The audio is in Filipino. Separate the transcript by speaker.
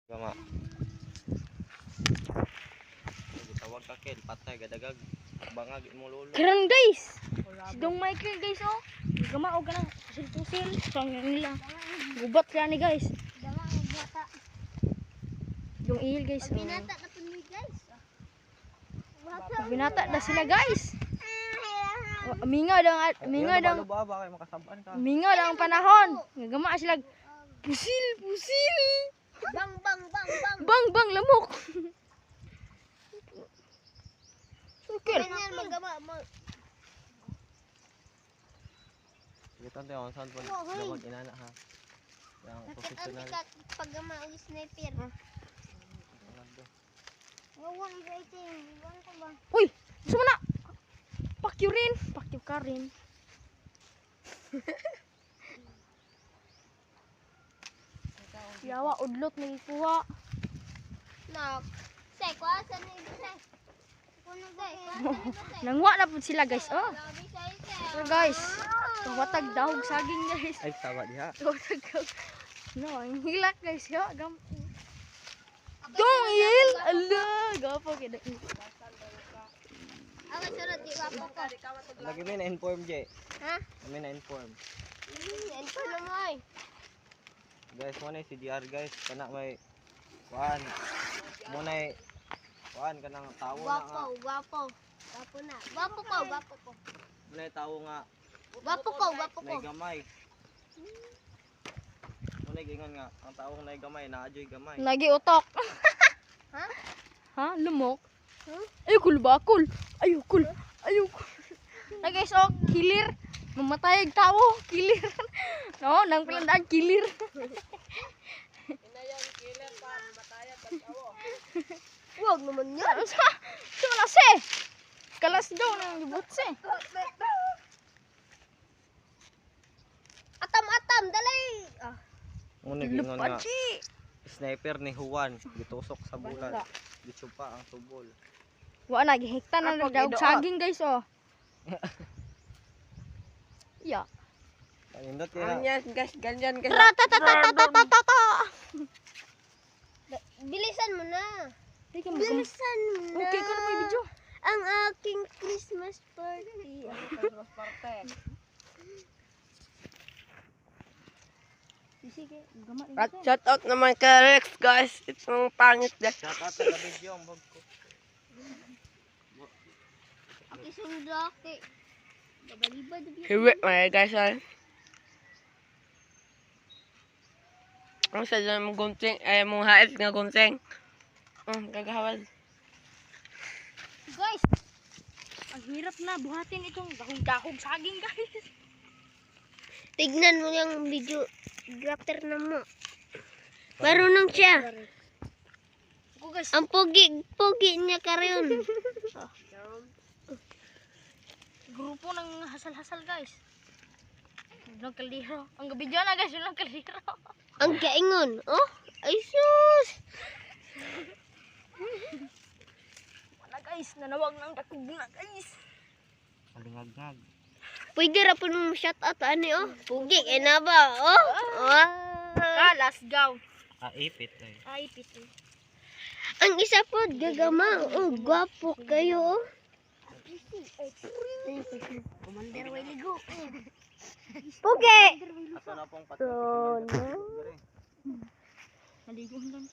Speaker 1: Gama. Gitawag ka ken patay gadagag bangag imong lolo.
Speaker 2: Karon guys. Si Dong Michael guys oh. Gama og kanang pusil-pusil sang nila. Gubat sila ni guys.
Speaker 3: Dama ang bata.
Speaker 2: Dong ihil guys.
Speaker 3: Binata na po ni guys.
Speaker 2: Binata na sila guys. Mingaw lang mingaw lang.
Speaker 1: Ba kay makasabaan ka.
Speaker 2: Mingaw lang ang panahon. Gama sila pusil.
Speaker 3: Bang bang bang bang.
Speaker 2: Bang lamok. Sukil.
Speaker 3: Ganyan magama mo.
Speaker 1: Gitan tayo saan po gamag inana ha. Yang professional.
Speaker 3: Pagama og sniper. Wawan rating. Iwan ko ba?
Speaker 2: Uy, gusto mo na? Pakyo rin. Pakyo ka rin. Yawa, udlot na ikuha.
Speaker 3: Nak. Say ko asan ni say. Kuno guys.
Speaker 2: Nangwa na po sila guys. Oh. So guys, watag dahog saging guys.
Speaker 1: Ay tawa diha.
Speaker 2: Watag dahog. No, ang hilak guys. Yo, gam. Dong il. Allah, gapo kida.
Speaker 3: Ako sunod di ba po.
Speaker 1: Lagi may na-inform je.
Speaker 3: Ha?
Speaker 1: Kami na-inform.
Speaker 3: Yan pa na mo ay.
Speaker 1: Guys, mo na si DR guys kana may kuan. Mo na kuan kanang tawo na nga.
Speaker 3: Gwapo. Gwapo na. Gwapo ko.
Speaker 1: Mo na tawo nga
Speaker 3: Gwapo ko.
Speaker 1: may gamay. Mo na gingon nga ang tawo na gamay naajoy gamay.
Speaker 2: Lagi utok.
Speaker 3: Ha?
Speaker 2: Ha? Lumok?
Speaker 3: Huh?
Speaker 2: Ayokul bakul. Ayokul. Na guys, oh, kilir. Mamatay ang tao, kilir. No, nang pelandaan kilir.
Speaker 1: Killer pa mamatay ang tawo.
Speaker 3: Wag naman yan.
Speaker 2: Sa malase. Kalas daw nang libutse.
Speaker 3: Atam, dali.
Speaker 1: Mo na gingon nga
Speaker 2: Lupachi.
Speaker 1: sniper ni Juan gitusok sa bulan. Gitsupa ang tubol.
Speaker 2: Wa na gihekta na
Speaker 1: Kapag
Speaker 2: daw
Speaker 1: idoot.
Speaker 2: saging guys oh. Ya.
Speaker 1: Nindot kaya.
Speaker 4: Guys, ganyan guys.
Speaker 2: Ratatatatata.
Speaker 3: Bilisan mo na.
Speaker 2: Teka mo.
Speaker 3: Bilisan mo na.
Speaker 2: Okay ko na may video.
Speaker 3: Ang aking Christmas party.
Speaker 2: Sige, gamat
Speaker 4: At shout out naman kay Rex guys. Itong pangit guys.
Speaker 1: Shout out sa video ang bag ko.
Speaker 3: Aki sundaki. Babalibad na biya.
Speaker 4: Hiwi mga guys ay. Ang sa dyan mong gunting, ay mong hait nga gunting. Gagawad.
Speaker 2: guys. Ang hirap na buhatin itong dahog-dahog saging guys.
Speaker 3: Tignan mo yung video. Grafter na mo. Marunong siya.
Speaker 2: Ako guys.
Speaker 3: Ang pogi niya karon.
Speaker 2: Grupo ng hasal-hasal guys. Yung kaldero. Ang gabi dyan na guys, yung kaldero.
Speaker 3: Ang kaingon. Oh, ay sus.
Speaker 2: Wala guys, nanawag ng dakog na guys.
Speaker 1: Kalingag-ngag.
Speaker 3: Pwede ra po mong shout out ani oh. Pogi kay na ba? Oh.
Speaker 2: Kalas gaw.
Speaker 1: Ipit ay.
Speaker 2: Ay, pito.
Speaker 3: Ang isa po gagama. Oh, gwapo kayo. Oh.
Speaker 2: Commander Wiligo.
Speaker 3: Pogi.
Speaker 1: Ato na pong
Speaker 3: So,
Speaker 1: patay.
Speaker 2: Naligo lang.